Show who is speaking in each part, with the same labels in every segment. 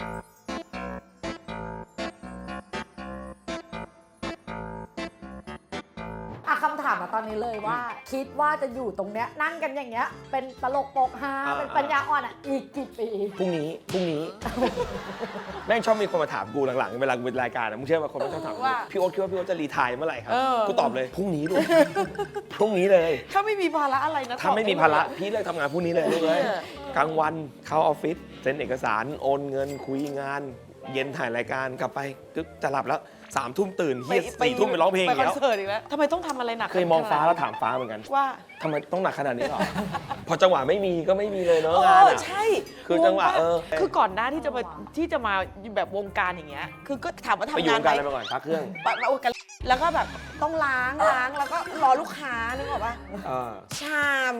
Speaker 1: คำถามมาตอนนี้เลยว่าคิดว่าจะอยู่ตรงเนี้ยนั่งกันอย่างเงี้ยเป็นตลกโปกฮาเป็นปัญญาอ่อนอ่ะอีกกี่ปี
Speaker 2: พรุ่งนี้แม่งชอบมีคนมาถามกูหลังๆเวลากูเป็นรายการมึงเชื่อว่าคนไม่ชอบถามพี่โอ๊ตคิดว่าพี่โอ๊ตจะรีไทร์เมื่อไหร่ครับกูตอบเลยพรุ่งนี้ลูกพรุ่งนี้เลย
Speaker 3: ถ้าไม่มีภาระอะไรนะ
Speaker 2: ถ้าไม่มีภาระพี่เลิกทำงานพรุ่งนี้เลยลูกเลยกลางวันเข้าออฟฟิศเซ็นเอกสารโอนเงินคุยงานเย็นถ่ายรายการกลับไปจะหลับแล้ว3 ทุ่มตื่นเฮีย4 ทุ่มไปร้องเพลง
Speaker 3: ไปคอนเสิร์ตอีกแล้วทำไมต้องทำอะไรหนัก
Speaker 2: เคยมองฟ้าแล้วถามฟ้าเหมือนกัน
Speaker 3: ว่า
Speaker 2: ทำไมต้องหนักขนาดนี้หรอพอจังหวะไม่มีก็ไม่มีเลยเนาะงาน
Speaker 3: ใช่
Speaker 2: คือจังหวะ
Speaker 3: คือก่อนหน้าที่จะมาแบบวงการอย่างเงี้ยคือก็ถามว่าทำงาน
Speaker 2: ไปอยู่วงการอะไรมาก่อนพักเครื่อง
Speaker 3: แล้วก็แบบต้องล้างแล้วก็รอลูกค้านึกออกป่ะชาม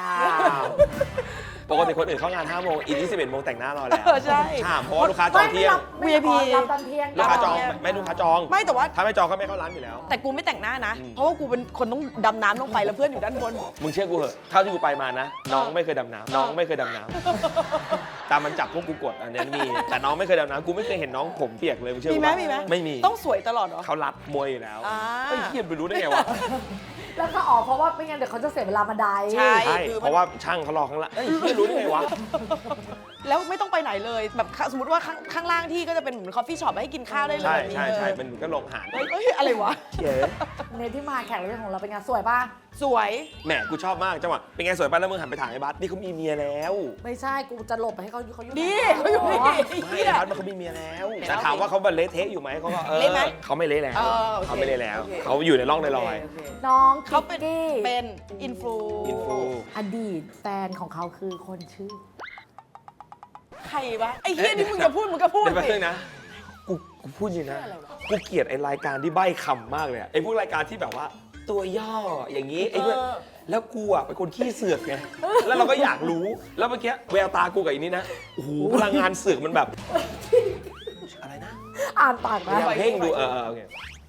Speaker 2: ปกติคนอื่นเข้างาน5 โมงอีก21 โมงแต่งหน้ารอแล้ว
Speaker 3: ใช่
Speaker 2: ชามเพราะว่าลูกค้าจองเที่ยง
Speaker 1: VIP รับตอนเที่ยง
Speaker 2: ลูกค้าจองไม่ลูกค้าจอง
Speaker 3: ไม่แต่ว่า
Speaker 2: ถ้าไม่จองก็ไม่เข้าร้านอยู่แล้ว
Speaker 3: แต่กูไม่แต่งหน้านะเพราะว่ากูเป็นคนต้องดำน้ำลงไปแล้วเพื่อนอยู่ด้านบน
Speaker 2: มึงเชื่อกูเหอะเท่าที่กูไปมานะน้องไม่เคยดำน้ำน้องไม่เคยดำน้ำตามมันจับพวกกูกดอันนี้มีแต่น้องไม่เคยดำน้ำกูไม่เคยเห็นน้องผมเปียกเลยมึงเชื่อกู
Speaker 3: มีไหม
Speaker 2: ไม่มี
Speaker 3: ต้องสวยตลอดเหรอ
Speaker 2: เขารัดมวยอยู่แล้วไอ้เหี้ยไปรู้ได้ไงวะ
Speaker 1: แล้วก็เพราะว่าไม่งั้นเดี๋ยวเขาจะเสียเวลาบันได
Speaker 3: ใช่
Speaker 2: เพราะว่าช่างเขารอข้างล่างไอ้เหี้ยรู้ได้ไงวะ
Speaker 3: แล้วไม่ต้องไปไหนเลยแบบสมมติว่าข้างล่างที่ก็จะเป็นเหมือนคอฟฟี่ช็อปให้กินข้าวได้เลย
Speaker 2: ใช่เป็นก็ลงหาด
Speaker 3: อะไรวะ
Speaker 1: ในที่มาแขกรับเชิญของเราเป็นไงสวยป่ะ
Speaker 3: สวย
Speaker 2: แหมกูชอบมากจังหวะเป็นไงสวยป่ะแล้วมึงหันไปถามไอ้บัสนี่เขามีเมียแล้ว
Speaker 1: ไม่ใช่กูจะหลบไปให้เขาอยู่
Speaker 3: นี่เขาอยู่นี่
Speaker 2: ไม่บัสมันเขามีเมียแล้วแต่ถามว่าเขาเละเทะอยู่ไหมเขาก็เขาไม่เละแล้วเขาไม่เละแล้วเขาอยู่ในร่องในรอย
Speaker 1: น้อง
Speaker 3: เขาเป็นอินฟู
Speaker 1: อดีตแฟนของเขาคือคนชื่อ
Speaker 3: ใครวะไอ้เหี้ยนี่มึงจะพูดมึงก็พูด
Speaker 2: สินะกูพูดจริงนะกูเกลียดไอ้รายการที่ใบ้คำมากเลยไอ้พวกรายการที่แบบว่าตัวย่ออย่างนี้ไอ้เพื่อนแล้วกูอ่ะเป็นคนขี้เสือกไงแล้วเราก็อยากรู้แล้วเมื่อกี้แววตากูกับอีนี่นะโอ้โหพลังงานเสือกมันแบบอะไรนะ
Speaker 1: อ่านปากนะ
Speaker 2: เพ่งดูโอเค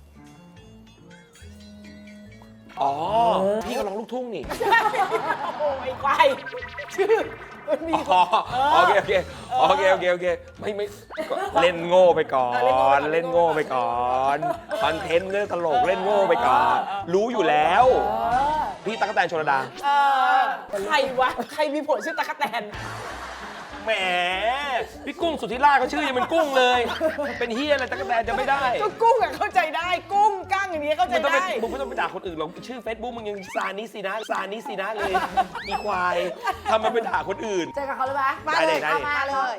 Speaker 2: อ๋อพี่ก็ร้องลูกทุ่งนี่
Speaker 3: โอ้ยควายชื่อมันมี
Speaker 2: โอเคไม่เล่นโง่ไปก่อนเล่นโง่ไปก่อนคอนเทนต์เรื่องตลกเล่นโง่ไปก่อนรู้อยู่แล้วพี่ตั๊กแตนชลดา
Speaker 3: ใครวะใครมีผัวชื่อตั๊กแตน
Speaker 2: แหมพี่กุ้งสุธิราชเขาชื่อยังเป็นกุ้งเลยเป็นเฮียอะไรตั๊กแตนจะไม่ได้
Speaker 3: ก็กุ้งอะเข้าใจได้กุ้งกั้งอย่างนี้เข้าใจได้
Speaker 2: มึงไม่ต้องไปด่าคนอื่นหรอกชื่อเฟซบุ๊กมึงยังซานิสินะเลยอีควายทำไมไปด่าคนอื่น
Speaker 1: เจอกับเขาเลยไหม
Speaker 2: ได้เลย
Speaker 1: มาเลย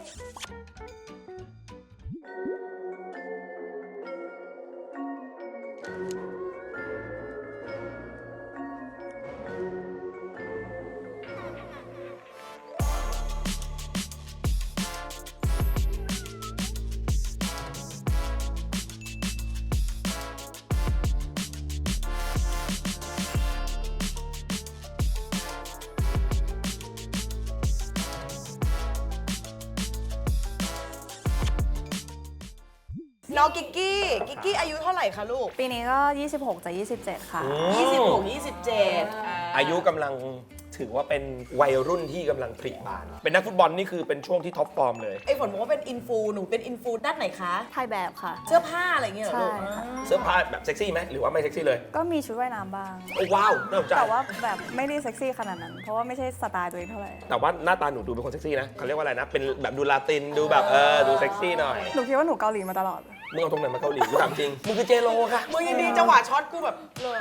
Speaker 3: น้องกิกกี้อายุเท่าไหร่คะลูก
Speaker 4: ปีนี้ก็26จะ27ค่ะ
Speaker 3: 27
Speaker 2: อายุกำลังถือว่าเป็นวัยรุ่นที่กำลังผลิบานเป็นนักฟุตบอลนี่คือเป็นช่วงที่ท็อปฟอร์มเลย
Speaker 3: ไอ้ฝนบอกว่าเป็นอินฟูหนูเป็นอินฟูด้านไหนคะ
Speaker 4: ถ่ายแบบค่ะ
Speaker 3: เสื้อผ้าอะไรเงี้ยเหรอลูก
Speaker 2: เสื้อผ้าแบบเซ็กซี่ไหมหรือว่าไม่เซ็กซี่เลย
Speaker 4: ก็มีชุดว่ายน้ำบ้าง
Speaker 2: โอ้ว้าวน่าสนใจ
Speaker 4: แต่ว่าแบบไม่ได้เซ็กซี่ขนาดนั้นเพราะว่าไม่ใช่สไตล์ตัวเองเท่าไหร่
Speaker 2: แต่ว่าหน้าตาหนูดูเป็นคนเซ็กซี่นะเขาเรียกว่าอะไรนะเป็นแบบดูลาตินดูแบบดูเซ็กซี่หน่อย
Speaker 4: หนูคิดว่าหนูเกาหลีมาตลอด
Speaker 2: มึงเอาตรงไหนมาเกาหลีกูถามจริงมึงคือเจโรค่ะ
Speaker 3: มึงยังดีจังหวะช็อตกูแบบเลย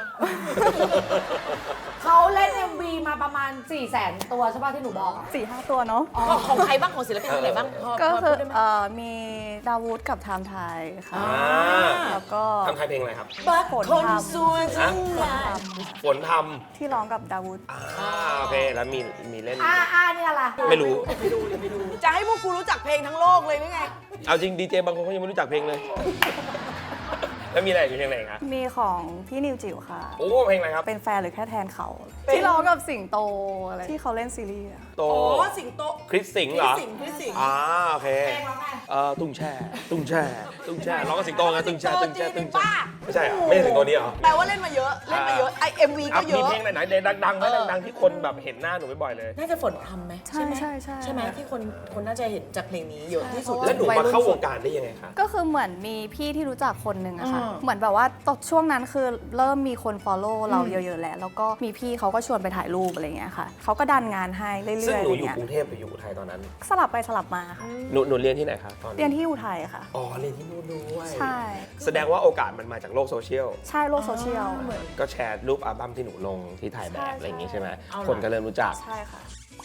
Speaker 1: เขาเล่น MV มาประมาณ 400,000 ตัวใช่ป่ะที่หนูบอก
Speaker 4: 4-5 ตัวเนาะ
Speaker 3: ของใครบ้างของศิลปินคนไหนบ้าง
Speaker 4: ก็คือมีดาวูดกับไทม์ไทยค่ะแล้วก็
Speaker 2: ทำไทยเพลงอะไรครับ
Speaker 4: ฝนท
Speaker 2: ำฝนท
Speaker 4: ำที่ร้องกับดาวูด
Speaker 2: โอเคแล้วมีเล่น
Speaker 1: นี่อะไร
Speaker 2: ไม่รู้
Speaker 3: จะให้พวกกูรู้จักเพลงทั้งโลกเลยหรือไง
Speaker 2: เอาจริงดีเจบางคนเขายังไม่รู้จักเพลงเลยแล้วมีอะไรมีเพลงอะไรครับ
Speaker 4: มีของพี่นิวจิ๋วค่ะ
Speaker 2: โอ้เพลงอะไรครับ
Speaker 4: เป็นแฟนหรือแค่แทนเขาที่ร้องกับสิงโตอะไรที่เขาเล่นซีรีส์
Speaker 2: โต
Speaker 3: อ๋อสิงโต
Speaker 2: คริสสิงห์เหรอ
Speaker 3: คริสสิงห์
Speaker 2: โอเคตุ้งแช่ร้องกับสิงโตไงตุ้งแช่ไม่ใช่เหรอไม่ใช่สิงโตนี้เหรอ
Speaker 3: แปลว่าเล่นมาเยอะไอMV ก็เย
Speaker 2: มี
Speaker 3: อะ
Speaker 2: เพลงไหนดังๆไหมดังๆที่คนแบบเห็นหน้าหนูบ่อยๆเลย
Speaker 3: น่าจะฝนพรำไหม
Speaker 4: ใช่ใช่
Speaker 3: ใช่ไหมที่คนน่าจะเห็นจากเพลงนี้เยอะที่สุด
Speaker 2: แล้วหนูมาเข้าวงการได้ยังไงคะ
Speaker 4: ก็คือเหมือนมีพี่ที่รู้จักคนหนึ่งอะค่ะ
Speaker 3: อืม
Speaker 4: เหมือนแบบว่าตอนช่วงนั้นคือเริ่มมีคน follow เราเยอะๆแล้วแล้วก็มีพี่เขาก็ชวนไปถ่ายรูปอะไรเงี้ยค่ะเขาก็ดันงานให้เรื่อยๆ
Speaker 2: ซึ่ง
Speaker 4: อะ
Speaker 2: หนู
Speaker 4: ไร
Speaker 2: อยู่
Speaker 4: เงี้ย
Speaker 2: กรุงเทพหรืออยู่อุทัยตอนนั้น
Speaker 4: สลับไปสลับมาค่ะ
Speaker 2: หนูเรียนที่ไหนคะตอน
Speaker 4: เรียนที่อุทัยค่ะ
Speaker 2: อ๋อเรียนที่นู่นด้วย
Speaker 4: ใช่
Speaker 2: แสดงว่าโอกาสมันมาจากโลกโซเชียล
Speaker 4: ใช่โลกโซเชียล
Speaker 2: ก็แชร์รูปอัลบั้มที่หนูลงที่ถ่ายแบบ
Speaker 4: ใช่
Speaker 2: อะไรอย่างงี้ใช่ไหม
Speaker 3: เอาล่ะ
Speaker 2: คนก็เริ่มรู้จัก
Speaker 4: ใช่ค่ะ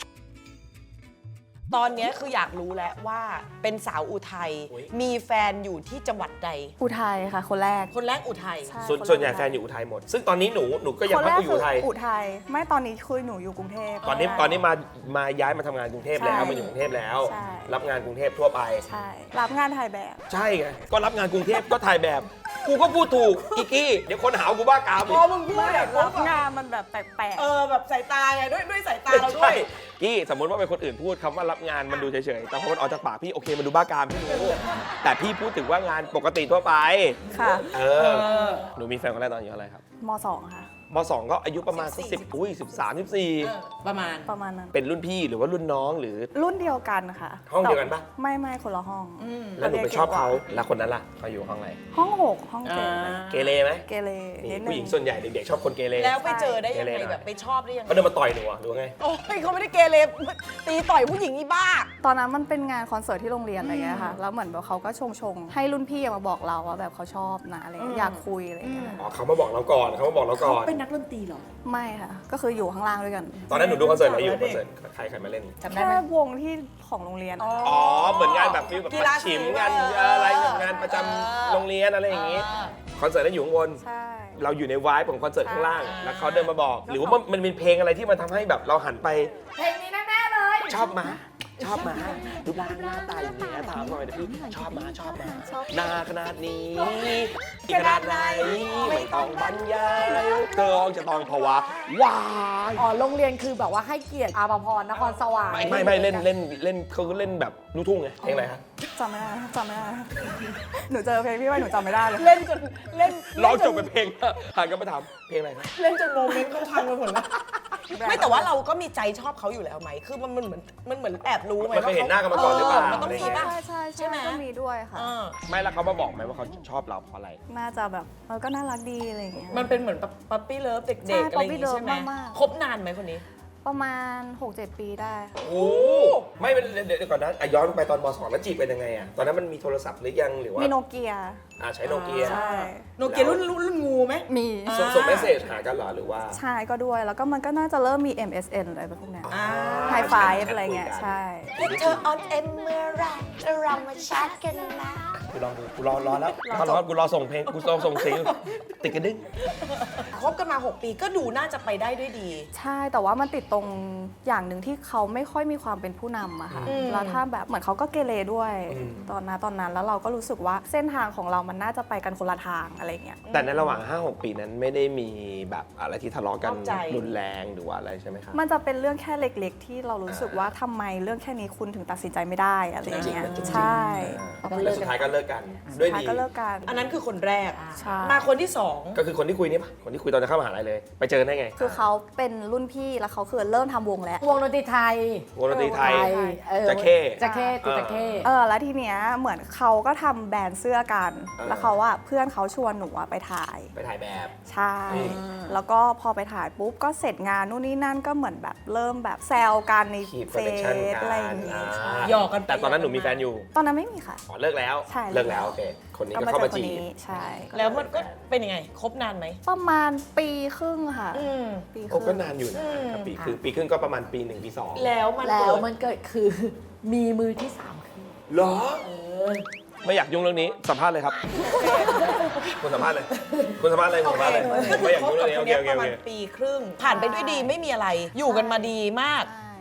Speaker 3: ตอนเนี้ยคืออยากรู้แล้วว่าเป็นสาวอุทัย
Speaker 2: อุ๊ย
Speaker 3: มีแฟนอยู่ที่จังหวัดใด
Speaker 4: อุทัยค่ะ คนแรก
Speaker 3: คนแรกอุทัย
Speaker 4: ใช่
Speaker 2: ส่วนใหญ่แฟนอยู่อุทัยหมด ซึ่งตอนนี้หนูก็ยัง
Speaker 4: คน
Speaker 2: พั
Speaker 4: แร
Speaker 2: ก
Speaker 4: ก
Speaker 2: อยู่
Speaker 4: คือ
Speaker 2: อุทัย
Speaker 4: อุทัยไม่ตอนนี้คือหนูอยู่กรุงเทพ
Speaker 2: ตอนนี้มาย้ายมาทำงานกรุงเทพแล้ว
Speaker 4: ใช่
Speaker 2: มาอยู่กรุงเทพแล้ว
Speaker 4: ใช่
Speaker 2: รับงานกรุงเทพทั่วไป
Speaker 4: ใช่ รับงานถ่ายแบบ
Speaker 2: ใช่ไงก็รับงานกรุงเทพก็ถ่ายแบบ กูก็พูดถูกอีกกี้เดี๋ยวคนหาว่ากูบ้ากาม
Speaker 3: พ
Speaker 2: อี
Speaker 3: อก มึงพูดแบบ
Speaker 4: รับงานมันแบบแปลก
Speaker 3: แบบสายตาไงด้วยสายตาเราด้
Speaker 2: ใช่
Speaker 3: วย
Speaker 2: กี้สมมติว่าเป็นคนอื่นพูดคำว่ารับงานมันดูเฉยๆแต่พอมันออกจากปากพี่โอเคมันดูบ้ากามพี่รู้แต่พี่พูดถึงว่างานปกติทั่วไป
Speaker 4: ๆ ค่ะ
Speaker 2: หนูมีแฟนคนแรกตอนอายุเท่าไหร่ครับ
Speaker 4: ม .2 ค่ะ
Speaker 2: ม2ก็อายุประมาณ10อุ้ย13 14
Speaker 3: ประมาณ
Speaker 4: ประมาณนั้น
Speaker 2: เป็นรุ่นพี่หรือว่ารุ่นน้องหรือ
Speaker 4: รุ่นเดียวกันค่ะ
Speaker 2: ห้องเดียวกันปะ
Speaker 4: ไม่คนละห้อง
Speaker 2: แล้วหนูไปชอบเขาแล้วคนนั้นล่ะเขาอยู่ห้องอะไร
Speaker 4: ห้อง6ห้อง7
Speaker 2: เกเรไหม
Speaker 4: เกเร
Speaker 2: นี่
Speaker 4: นิดนึ
Speaker 2: ผู้หญิงส่วนใหญ่เด็กๆชอบคนเกเร
Speaker 3: แล้วไปเจอได้ยัง
Speaker 2: เกเร
Speaker 3: ไง
Speaker 2: หน่อย
Speaker 3: แบบไปชอบได้ยังไง
Speaker 2: เขาเดินมาต่อยหนูอะหรือว่าไง
Speaker 3: โอ้ยเขาไม่ได้เกเรตีต่อยผู้หญิงอีบ้า
Speaker 4: ตอนนั้นมันเป็นงานคอนเสิร์ตที่โรงเรียนอะไรเงี้ยค่ะ แล้วเหมือนแบบเขาก็ชงให้รุ่นพี่มาบอกเราว่าแบบเขาชอบนะอะไรเงี้ยอยากคุยอะไรเงี้ย
Speaker 2: อ๋อเขามาบอกเราก่อนเขามาบอกเราก่อน
Speaker 3: เป็นนักดนตรีเหรอ
Speaker 4: ไม่ค่ะ ก็คืออยู่ข้างล่างด้วยกัน
Speaker 2: ตอนนั้นหนูดูคอนเสิร์ตอะไรอยู่คอนเสิร์ตใครมาเล่น
Speaker 3: จำได้
Speaker 4: แค่
Speaker 3: ไหม
Speaker 4: วงที่ของโรงเรียนอะ
Speaker 2: อ๋อเหมือนงานแบบฟิลแบบ
Speaker 3: กีฬา
Speaker 2: ฉิม
Speaker 3: สี
Speaker 2: งานอะไรแบบงานประจำโรงเรียนอะไรอย่างงี้คอนเสิร์ตนั้นอยู่ข้างบน
Speaker 4: ใช่
Speaker 2: เราอยู่ในวายของคอนเสิร์ตข้างล่าง
Speaker 3: อ่า
Speaker 2: แล้วเขาเดินมาบอก หรือว่ามันเป็นเพลงอะไรที่มันทำให้แบบเราหันไป
Speaker 1: เพลงนี้แน่ๆเลย
Speaker 2: ชอบมารูปร่างหน้าตาอย่างเงี้ยถามหน่อยนะพี่ชอบมาหน้าขนาดนี้ขนาดไหนไม่ต้องบรรยายเธอจะต้องภาวะว้าย
Speaker 1: อ๋อโรงเรียนคือแบบว่าให้เกียรติอาภพรนครสวรรค์
Speaker 2: ไม่เล่นเขาก็เล่นแบบลูกทุ่งไงเพลงอะไรฮะ
Speaker 4: จำไม่ได้หนูเจอเพลงพี่ไว้หนูจำไม่ได้เลย
Speaker 3: เล่นจนเล่น
Speaker 2: ร้องจบเป็นเพลงหันกลับมาถามเพลงอะไรครับ
Speaker 3: เล่นจนโมเมนต์เขาพังไปหมดแล้วไม่แต่ว่าเราก็มีใจชอบเขาอยู่แล้วไหมคือมันเหมือนแอบรู้ไหม
Speaker 2: มันเคยเห็นหน้ากันมาก่อนหรือเปล่า
Speaker 3: มันต้องมีป่ะ
Speaker 4: ใช่
Speaker 3: ใช่ไหม
Speaker 4: ก็มีด้วยค่ะ
Speaker 2: ไม่แล้วเขามาบอกไหมว่าเขาชอบเราเพราะอะไร
Speaker 4: น่าจะแบบก็น่ารักดีอะไรอย่างเงี้ย
Speaker 3: มันเป็นเหมือนปั๊ปปี้เลิฟเด็กๆ
Speaker 4: ใช่
Speaker 3: อะไรอย่างงี้
Speaker 4: puppy love
Speaker 3: ใช่ไหม
Speaker 4: มากๆ
Speaker 3: คบนานไหมคนนี้
Speaker 4: ประมาณ 6-7 ปีได้ค่ะ
Speaker 2: โอ้ไม่เป็นเดี๋ยวก่อนนะย้อนไปตอนม .2 แล้วจีบเป็นยังไงอะตอนนั้นมันมีโทรศัพท์หรือยังหรือว่า
Speaker 4: มีโนเกีย
Speaker 2: ใช้โนเกีย
Speaker 4: ใช่
Speaker 3: โนเกียรุ่นงูไหม
Speaker 4: มี
Speaker 2: ส่งเมสเซจหากันเหรอหรือว่า
Speaker 4: ใช่ก็ด้วย แล้วก็มันก็น่าจะเริ่มมี MSN อะไรแบบพวกเนี้ย
Speaker 3: อ่า
Speaker 4: ไฮไฟอะไรเงี้ยใช่
Speaker 3: เธอออนเอ็มเมื่อไรเรามาแชทกันนะ
Speaker 2: กูรอแล้วกูรอส่งเพลงกูรอส่งเสียงติดกระดึ๊ง
Speaker 3: คบกันมา 6 ปีก็ดูน่าจะไปได้ด้วยดี
Speaker 4: ใช่แต่ว่ามันติดตรงอย่างหนึ่งที่เขาไม่ค่อยมีความเป็นผู้นำอะค่ะ
Speaker 3: อืม
Speaker 4: แล้วถ้าแบบเหมือนเขาก็เกเรด้วย ตอนนั้นแล้วเราก็รู้สึกว่าเส้นทางของเรามันน่าจะไปกันคนละทางอะไรเงี้ย
Speaker 2: แต่ในระหว่าง 5-6 ปีนั้นไม่ได้มีแบบอะไรที่ทะเลาะกัน
Speaker 3: นอกใจ
Speaker 2: รุนแรงหรือว่าอะไรใช่ไหมครับ
Speaker 4: มันจะเป็นเรื่องแค่เล็กๆ ที่เรารู้สึกว่าทำไมเรื่องแค่นี้คุณถึงตัดสินใจไม่ได้อะไรอย่างเงี้ยใช่
Speaker 2: แล้วสุดท้ายก็เลิกกันด้วย
Speaker 4: สุท้าย
Speaker 2: ดี
Speaker 4: ก็เลิกกัน
Speaker 3: อันนั้นคือคนแรก
Speaker 4: ใช่
Speaker 3: มาคนที่สอง
Speaker 2: ก็คือคนที่คุยนี่ปะคนที่คุยตอนจะเข้ามหาลัยเลย ไปเจอได้ไง
Speaker 4: คือเขาเป็นรุ่นพี่แล้วเขาคือเริ่มทำวงแล้ว
Speaker 1: วงดนตรีไทย
Speaker 2: วงดนตรีไทย
Speaker 1: เออ
Speaker 2: จะเข้
Speaker 1: จะเข้ติดจะเข้
Speaker 4: แล้วทีเนี้ยเหมือนเขาก็ทำแบรนด์เสื้อกัน แล้วเขาว่าเพื่อนเขาชวนหนูอะไปถ่าย
Speaker 2: ไปถ่ายแบบ
Speaker 4: ใช่ แล้วก็พอไปถ่ายปุ๊บก็เสร็จงานนู่นนี่นั่นก็เหมือนแบบเริ่มแบบแซวกันใน
Speaker 2: คีบ
Speaker 4: เฟ
Speaker 2: คอนเนคชั่น
Speaker 4: ซ
Speaker 2: กั
Speaker 4: อะไรอย่างเงี้ย
Speaker 3: หยอกกันไป
Speaker 2: แต่ตอนนั้นหนูมีแฟนอยู่
Speaker 4: ตอนนั้นไม่มีค่ะ
Speaker 2: อ๋อเลิกแล้ว
Speaker 4: ใช่
Speaker 2: เลิกแล้วโอเคคนนี้
Speaker 4: ก็
Speaker 2: ก็
Speaker 4: มา
Speaker 2: เข้า
Speaker 4: เจอ
Speaker 2: มา
Speaker 4: คน
Speaker 2: จีบ
Speaker 4: นี้ใช่
Speaker 3: แล้วมันก็เป็นยังไง คบนานไหม
Speaker 4: ประมาณปีครึ่งค่ะ ปีค
Speaker 2: โอ้
Speaker 4: รึ่ง
Speaker 2: ก็นานอยู่นะครับปีครึ่งก็ประมาณปี 1 ปี 2
Speaker 3: แล้วมัน
Speaker 1: แล้
Speaker 3: เกิ
Speaker 1: ว
Speaker 3: ด
Speaker 1: มันเกิดคือมีมือที่สามคือ
Speaker 2: เหรอไม่อยากยุ่งเรื่องนี้สัมภาษณ์เลยครับคุณสัมภาษณ์เลยผมสัมภาษณ์เลยไม่อยาก
Speaker 3: คบ
Speaker 2: ยุ่ง
Speaker 3: กั
Speaker 2: เรื่
Speaker 3: บ
Speaker 2: องนี้
Speaker 3: คน
Speaker 2: โอเค
Speaker 3: เนี้ย
Speaker 2: โอเคโอเค
Speaker 3: ประมาณปีครึ่ง ผ่านไปด้วยดีไม่มีอะไร อยู่กันมาดีมาก
Speaker 4: ใช่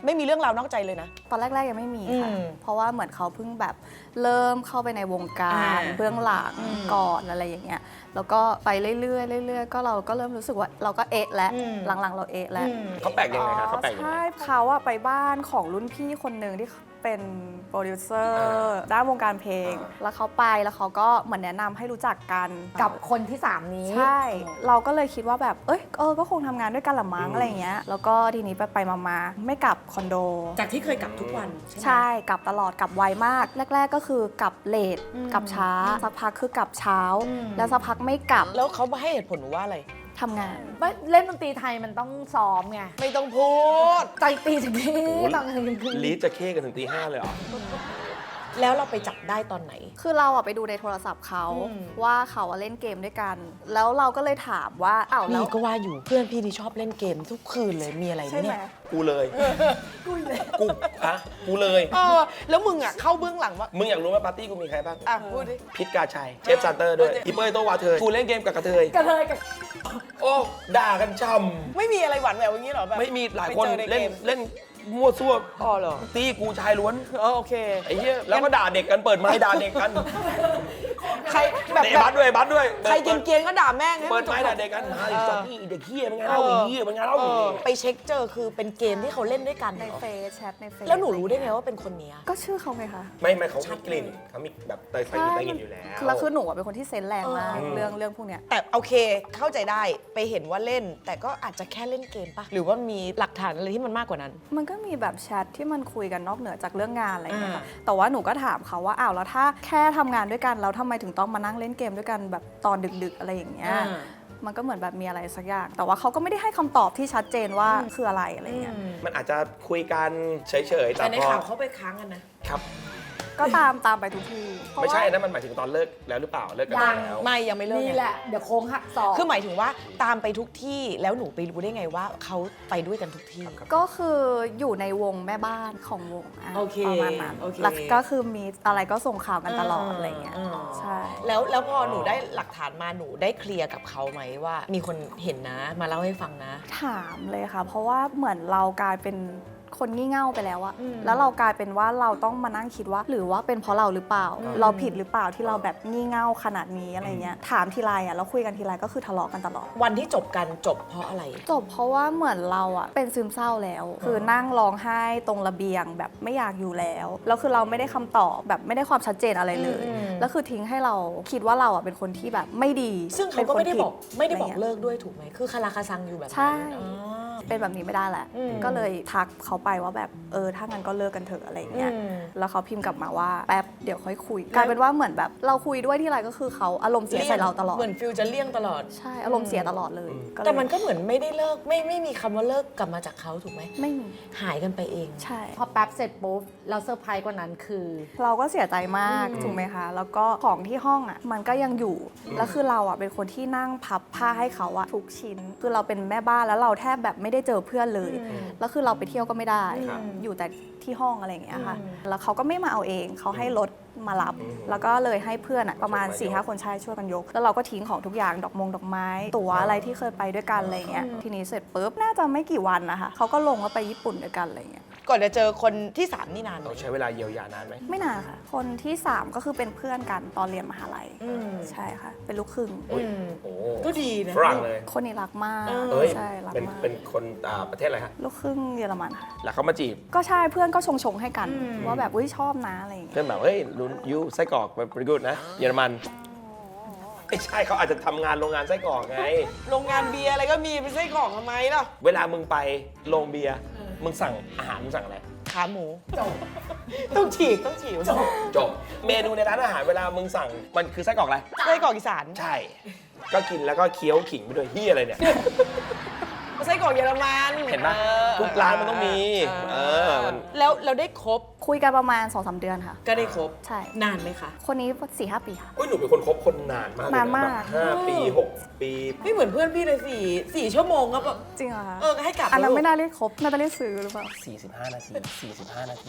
Speaker 3: ไม่มีเรื่องราวนอกใจเลยนะ
Speaker 4: ตอนแรกๆยังไม่มีค่ะ
Speaker 3: อืม
Speaker 4: เพราะว่าเหมือนเขาเพิ่งแบบเริ่มเข้าไปในวงการเบื้องหลังก่อนอะไรอย่างเงี้ย แล้วก็ไปเรื่อยๆเรื่อยๆก็เราก็เริ่มรู้สึกว่าเราก็เอะแล้วหลังๆเราเอะแล้ว
Speaker 2: เขาแปลกยังไงคะเขาแปลกยังไง
Speaker 4: ใช่เขาอะไปบ้านของรุ่นพี่คนหนึ่งที่เป็นโปรดิวเซอร์ด้านวงการเพลง แล้วเขาไปแล้วเขาก็เหมือนแนะนำให้รู้จักกัน
Speaker 1: กับคนที่ 3 นี้
Speaker 4: ใช่ เราก็เลยคิดว่าแบบก็คงทำงานด้วยกันละมั้งอะไรอย่างเงี้ยแล้วก็ทีนี้ไปมาไม่กลับคอนโด
Speaker 3: จากที่เคยกลับทุกวันใช่ไหม
Speaker 4: ใช่กลับตลอดกลับไวมาก แรก ๆ ก็คือกลับเลทกลับช้าสักพักคือกลับเช้า แล้วสักพักไม่กลับ
Speaker 3: แล้วเขาให้เหตุผลหนูว่าอะไร
Speaker 4: ทำงาน
Speaker 1: เล่นดนตรีไทยมันต้องซ้อมไง
Speaker 3: ไม่ต้องพูด
Speaker 1: ใจตีถึงที่ตอนกลางคืน
Speaker 2: ลีดจะเข้กันถึงตี 5เลยเหรอ
Speaker 3: แล้วเราไปจับได้ตอนไหน
Speaker 4: คือเราอะไปดูในโทรศัพท์เขา
Speaker 3: อืม
Speaker 4: ว่าเขาอะเล่นเกมด้วยกัน แล้วเราก็เลยถามว่าอ้าวแล้
Speaker 3: นี่
Speaker 4: ว
Speaker 3: ก็ว่าอยู่เพื่อนพี่ที่ชอบเล่นเกมทุกคืนเลยมีอะไรไหม
Speaker 4: ใช่ไหม
Speaker 3: เนี่ย
Speaker 2: กูเลยกูอะกูเลย
Speaker 3: แล้วมึงอ่ะเข้าเบื้องหลังว่า
Speaker 2: มึงอยากรู้ไหมปาร์ตี้กูมีใครบ้าง
Speaker 3: อ่ะพูดดิ
Speaker 2: พิษกาชัย เชฟซันเตอร์ด้วย อีเป้ยโตวาเธอกูเล่นเกมกับกระเทย
Speaker 1: กระเลยกับ
Speaker 2: โอ้ ด่ากันช่
Speaker 3: ไม่มีอะไรหวานแหววอย่างนี้หรอแบบ
Speaker 2: ำไม่มีหลายคน
Speaker 3: ไปจอใกม
Speaker 2: เล่นมั่วซั่ว
Speaker 3: อ๋อเหรอ
Speaker 2: ตีกูชายล้วน
Speaker 3: โอเค
Speaker 2: ไอ้เหี้ยแล้วก็ด่าเด็กกันเปิดไม้ด่าเด็กกัน
Speaker 3: ใครแบบ
Speaker 2: เตะบัสด้วยบัสด้วย
Speaker 3: ใครเกรียนๆก็ด่าแม่งให้
Speaker 2: เปิด
Speaker 3: นจบ
Speaker 2: ไม้ด่าเด็กกันไอ้สัตว์นี่เด็กเหี้ยเป็นไงเล่าไอ้เหี้ยเป็นไงเล่า
Speaker 3: ไปเช็คเจอคือเป็นเกมที่เขาเล่นด้วยกัน
Speaker 4: ใน
Speaker 3: เหรอ
Speaker 4: เฟซแชทในเฟซ
Speaker 3: แล้วหนูรู้ได้ไงว่าเป็นคนเนี้ย
Speaker 4: ก็ชื่อเขาไงคะ
Speaker 2: ไม่เขามีกลิ่นเขามีแบบเตยไฟอยู่ใต้กลิ่นอยู่แล้ว
Speaker 4: แล้วคือหนูอะเป็นคนที่เซนส์แรงมาก
Speaker 2: เออ
Speaker 4: เรื่องพวกเนี้ย
Speaker 3: แต่โอเคเข้าใจได้ไปเห็นว่าเล่น แต่ก็อาจจะแค่เล่นเกมปะหรือว่ามีหลักฐานอะไรที่มันมากกว่านั้น
Speaker 4: มันก็มีแบบแชทที่มันคุยกันนอกเหนือจากเรื่องงานอะไรอย่างเงี้ยค่ะ
Speaker 3: อ่า
Speaker 4: แต่ว่าหนูก็ถามเขาว่าอ้าวแล้วถ้าแค่ทำงานด้วยกันแล้วทำไมถึงต้องมานั่งเล่นเกมด้วยกันแบบตอนดึกๆอะไรอย่างเงี้ย มันก็เหมือนแบบมีอะไรสักอย่าง แต่ว่าเขาก็ไม่ได้ให้คำตอบที่ชัดเจนว่าคืออะไรอะไรเงี้ย
Speaker 2: มันอาจจะคุยกันเฉยๆ
Speaker 3: แต่ใน
Speaker 2: พอ
Speaker 3: ข่าวเขาไปค้างกันนะ
Speaker 2: ครับ
Speaker 4: ก็ตามไปทุกทีเพราะ
Speaker 2: ไม่ใช่
Speaker 4: ว่า
Speaker 2: อันนั้นมันหมายถึงตอนเลิกแล้วหรือเปล่าเลิกกัน
Speaker 1: ยัง
Speaker 2: แล้ว
Speaker 3: ไม่ยังไม่เลิก
Speaker 1: นี่
Speaker 3: ไง
Speaker 1: แหละ เดี๋ยวโค้งหักศอก
Speaker 3: คือหมายถึงว่าตามไปทุกที่แล้วหนูไปรู้ได้ไงว่าเขาไปด้วยกันทุกที่
Speaker 4: ก็คืออยู่ในวงแม่บ้านของวงะ
Speaker 3: โอเค
Speaker 4: ประมาณนั้น
Speaker 3: โอเค
Speaker 4: แล้วก็คือมีอะไรก็ส่งข่าวกันตลอดอะไรเงี้ยใช่
Speaker 3: แล้วพอหนูได้หลักฐานมาหนูได้เคลียร์กับเขาไหมว่า มีคนเห็นนะมาเล่าให้ฟังนะ
Speaker 4: ถามเลยค่ะ เพราะว่าเหมือนเรากลายเป็นคนงี่เง่าไปแล้วอะ
Speaker 3: อืม
Speaker 4: แล้วเรากลายเป็นว่าเราต้องมานั่งคิดว่า หรือว่าเป็นเพราะเราหรือเปล่า เราผิดหรือเปล่าที่เราแบบงี่เง่าขนาดนี้อะไรเงี้ยถามทีไรอะเราคุยกันทีไรก็คือทะเลาะกันตลอด
Speaker 3: วันที่จบกันจบเพราะอะไร
Speaker 4: จบเพราะว่าเหมือนเราอะเป็นซึมเศร้าแล้ว คือนั่งร้องไห้ตรงระเบียงแบบไม่อยากอยู่แล้วแล้วคือเราไม่ได้คำตอบแบบไม่ได้ความชัดเจนอะไรเลย
Speaker 3: อืม
Speaker 4: แล้วคือทิ้งให้เราคิดว่าเราอะเป็นคนที่แบบไม่ดี
Speaker 3: ซึ่งเขาก็ไม่ได้บอก
Speaker 4: เป็นคนผิ
Speaker 3: ไม่ได้บอก
Speaker 4: ะรงี้ย
Speaker 3: เลิกด้วยถูกไหมคือคาราคาซังอยู่แบบนั้น
Speaker 4: ใช่
Speaker 3: อ๋อ
Speaker 4: เป็นแบบนี้ไม่ได้แหละ
Speaker 3: อืม
Speaker 4: ก็เลยทักเขาไปว่าแบบถ้างั้นก็เลิกกันเถอะอะไรเงี้ย
Speaker 3: อืม
Speaker 4: แล้วเขาพิมพ์กลับมาว่าแป๊บเดี๋ยวค่อยคุยกลายเป็นว่าเหมือนแบบเราคุยด้วยที่ไรก็คือเขาอารมณ์เสียใส่เราตลอด
Speaker 3: เหมือนฟิลจะเลี่ยงตลอด
Speaker 4: ใช่อารมณ์เสียตลอดเลยก็เลย
Speaker 3: แต่มันก็เหมือนไม่ได้เลิกไม่มีคำว่าเลิกกลับมาจากเขาถูกไหม
Speaker 4: ไม่มี
Speaker 3: หายกันไปเอง
Speaker 4: ใช่
Speaker 1: พอแป๊บเสร็จปุ๊บเราเซอร์ไพรส์กว่านั้นคือ
Speaker 4: เราก็เสียใจมากถูกไหมคะ แล้วก็ของที่ห้องอ่ะมันก็ยังอยู่ แล้วคือเราอ่ะเป็นคนที่นั่งพับผ้าให้เขาอ่ะทุกชิ้น คือเราเป็นแม่บ้านแล้วเราแทบแบบไม่ได้เจอเพื่อนเลย แล้วคือเราไปเที่ยวก็ไม่ได้
Speaker 2: ครับ
Speaker 4: อยู่แต่ที่ห้องอะไรอย่างเงี้ยค่ะ แล้วเขาก็ไม่มาเอาเอง เขาให้รถมารับ แล้วก็เลยให้เพื่อนอ่ะประมาณ 4-5 คนชายช่วยกันยก แล้วเราก็ทิ้งของทุกอย่างดอกไม้ ตั๋วอะไรที่เคยไปด้วยกันอะไรเงี้ย ทีนี้เสร็จปุ๊บน่าจะไม่กี่วันนะคะเขาก็ลงว่าไปญี่ปุ่นด้วยกันอะไรเงี้ย
Speaker 3: ก่อนจะเจอคนที่ 3 นี่นานไหม
Speaker 2: เราใช้เวลาเยียวยานานไหม
Speaker 4: ไม่นานค่ะ คนที่ 3 ก็คือเป็นเพื่อนกันตอนเรียนมหาลัย
Speaker 3: อืม
Speaker 4: ใช่ค่ะ เป็นลูกครึ่ง
Speaker 2: โอ้ยโอ้
Speaker 3: ก็ดีนะ
Speaker 2: ฝรั่งเลย
Speaker 4: คนนี้รักมาก
Speaker 2: เอ้ย
Speaker 4: ใช่รัก
Speaker 2: เป็น
Speaker 4: มาก
Speaker 2: เป็นคนประเทศอะไรฮะ
Speaker 4: ลูกครึ่งเยอรมันค่ะ
Speaker 2: แล้วเขามาจีบ
Speaker 4: ก็ใช่เพื่อนก็ชงให้กัน ว่าแบบอุ้ยชอบนะอะไรอย่างเงี้ย
Speaker 2: เพื่อนแบบเฮ้ยรุนยูไส้กรอกเป็น pretty good นะเยอรมันไม่ใช่เขาอาจจะทำงานโรงงานไส้กรอกไง
Speaker 3: โรงงานเบียร์อะไรก็มีเป็นไส้กรอกทำไมล่ะ
Speaker 2: เวลามึงไปโรงเบียร์มึงสั่งอาหารมึงสั่งอะไร
Speaker 3: ขาหมูต้องฉีก
Speaker 2: จบเมนูในร้านอาหารเวลามึงสั่งมันคือไส้กรอกอะไร
Speaker 3: ไส้กรอกอีสาน
Speaker 2: ใช่ ก็กินแล้วก็เคี้ยวขิงไปด้วยเฮียอะไรเนี่ย
Speaker 3: ไส้กรอกเยอรมัน
Speaker 2: เห็นปะทุกร้านมันต้องมีมัน
Speaker 3: แล้วเราได้ครบ
Speaker 4: คุยกันประมาณ 2-3 เดือนค่ะ
Speaker 3: ก็ได้ครบ
Speaker 4: ใช่
Speaker 3: นานไหมคะ
Speaker 4: คนนี้ 4-5 ปีค่ะ
Speaker 2: อุ้ยหนูเป็นคนคบคนนานมากเลยะ
Speaker 4: นานมาก
Speaker 2: แบบ5 ปี 6 ปี
Speaker 3: ไม่เหมือนเพื่อนพี่เลยสี่ชั่วโมงก็แบบ
Speaker 4: จริงเหรอคะ
Speaker 3: ให้กลับ
Speaker 4: อันนั้น
Speaker 3: แล้ว
Speaker 4: ไม่น่าเรียกครบน่าจะเรียกซื้อหรือเปล่า
Speaker 2: 45 นาที 45 นาที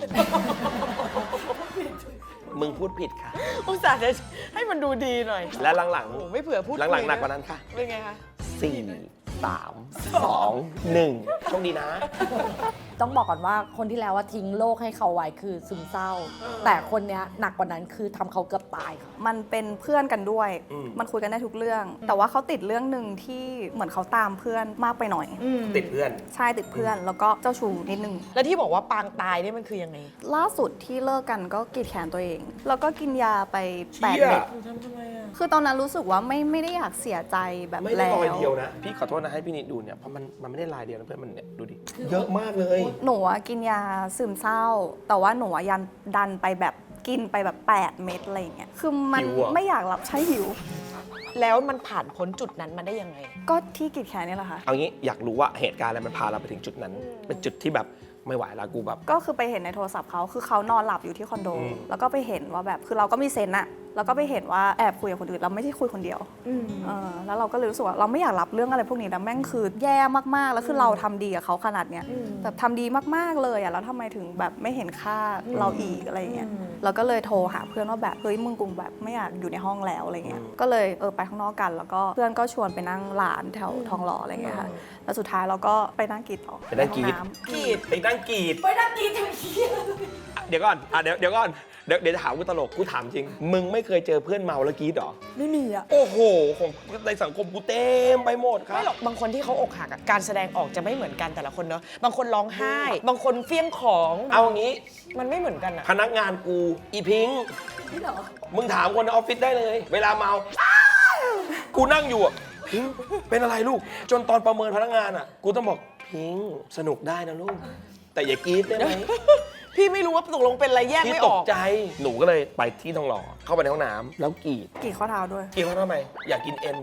Speaker 2: มึงพูดผิดค่ะ
Speaker 3: อุตส่าห์จะให้มันดูดีหน่อย
Speaker 2: และหลัง
Speaker 3: โอ้โหไม่เผื่อพูด
Speaker 2: หลังๆหนักกว่านั้นค่ะ
Speaker 3: เป็นไงคะ
Speaker 2: 4 3 2 1โชคดีนะ
Speaker 1: ต้องบอกก่อนว่าคนที่แล้วว่าทิ้งโลกให้เขาไว้คือซึมเศร้า แต่คนเนี้ยหนักกว่านั้นคือทำเขาเกือบตายค่ะ
Speaker 4: มันเป็นเพื่อนกันด้วย มันคุยกันได้ทุกเรื่อง แต่ว่าเขาติดเรื่องหนึ่งที่เหมือนเขาตามเพื่อนมากไปหน่อย
Speaker 2: ติดเพื่อน
Speaker 4: ใช่ติดเพื่อนแล้วก็เจ้าชู้นิดนึง
Speaker 3: แล้วที่บอกว่าปางตายเนี่ยมันคือยังไง
Speaker 4: ล่าสุดที่เลิกกันก็กรีดแขนตัวเอง แล้วก็กินยาไป
Speaker 2: เชี่
Speaker 4: 8
Speaker 2: ย
Speaker 4: เม็ด
Speaker 3: ทำไมอ่ะ
Speaker 4: คือตอนนั้นรู้สึกว่าไม่ได้อยากเสียใจแบบ
Speaker 2: ไม่ได้
Speaker 4: แล้ว
Speaker 2: รอยเดียวนะ พี่ขอโทษนะให้พี่นิดดูเนี่ย เพราะมันไม่ได้ลายเดียวนะเพื่อนมันเนี่ยดูดิ เยอะมากเลย
Speaker 4: หนูอะกินยาซึมเศร้า แต่ว่าหนูอะยันดันไปแบบกินไปแบบ 8 เม็ดอะไรอย่างเงี้ย คือมัน
Speaker 2: หิวอะ
Speaker 4: ไม่อยากรับใช้หิว
Speaker 3: แล้วมันผ่านพ้นจุดนั้นมาได้ยังไง
Speaker 4: ก็ที่กรีดแขนนี่แหละค่ะ
Speaker 2: เอางี้อยากรู้ว่าเหตุการณ์อะไรมันพาเราไปถึงจุดนั้น เป็นจุดที่แบบไม่ไหวแล้วกูแบบ
Speaker 4: ก็คือไปเห็นในโทรศัพท์เขาคือเขานอนหลับอยู่ที่คอนโด แล้วก็ไปเห็นว่าแบบคือเราก็มีเซนส์อะแล้วก็ไปเห็นว่าแอบคุยกับคนอื่นเราไม่ใช่คุยคนเดียวแล้วเราก็เลยรู้สึกว่าเราไม่อยากรับเรื่องอะไรพวกนี้แล้วแม่งคือแย่มากๆแล้วคือเราทำดีกับเขาขนาดเนี้ยแบบทำดีมากๆเลยอะแล้วทำไมถึงแบบไม่เห็นค่าเราอีกอะไรอย่างเงี้ยเราก็เลยโทรหาเพื่อนว่าแบบเฮ้ยมึงกูแบบไม่อยากอยู่ในห้องแล้วอะไรเงี้ยก็เลยไปข้างนอกกัน แล้วก็เพื่อนก็ชวนไปนั่งร้านแถวทองหล่ออะไรเงี้ยค่ะแล้วสุดท้ายเราก็ไปนั่งกรีดต่อ
Speaker 2: ไปนั่งกรีด
Speaker 4: ในห้อน้ำ
Speaker 3: กรีด
Speaker 2: ไปนั่งกรีด
Speaker 1: ไปนั่งกินทั้งทีย
Speaker 2: เดี๋ยวก่อนเดี๋ยวก่อนเดี๋ยวจะถามกูตลกกูถามจริง มึงไม่เคยเจอเพื่อนเมาแล้วกรีดเหรอ
Speaker 1: ไม่มีอะ
Speaker 2: โอ้โหของในสังคมกูเต็มไปหมดครับ
Speaker 3: ไม่หรอกบางคนที่เขาอกหักอะการแสดงออกจะไม่เหมือนกันแต่ละคนเนาะบางคนร้องไห้ บางคนเฟี้ยงของ
Speaker 2: เอางี้
Speaker 3: มันไม่เหมือนกันอะ
Speaker 2: พนักงานกูอีพิงค์
Speaker 1: นี่เหรอ
Speaker 2: มึงถามคนในออฟฟิศได้เลย เวลาเมาอ้าวกูนั่งอยู่อ่ะพิงค์เป็นอะไรลูก จนตอนประเมินพนักงานอ่ะ กูต้องบอกพิงค์สนุกได้นะลูก แต่อย่ากรีดได้ไหม
Speaker 3: พี่ไม่รู้ว่าตกลงเป็นอะไรแยก
Speaker 2: พี่
Speaker 3: ไม่
Speaker 2: ต
Speaker 3: อก อก
Speaker 2: ใจหนูก็เลยไปที่ทองหล่อเข้าไปในห้องน้ำแล้วกรีด
Speaker 4: กรีดข้อเท้าด้วย
Speaker 2: กรีดเขาทำไมอยากกินเอ็น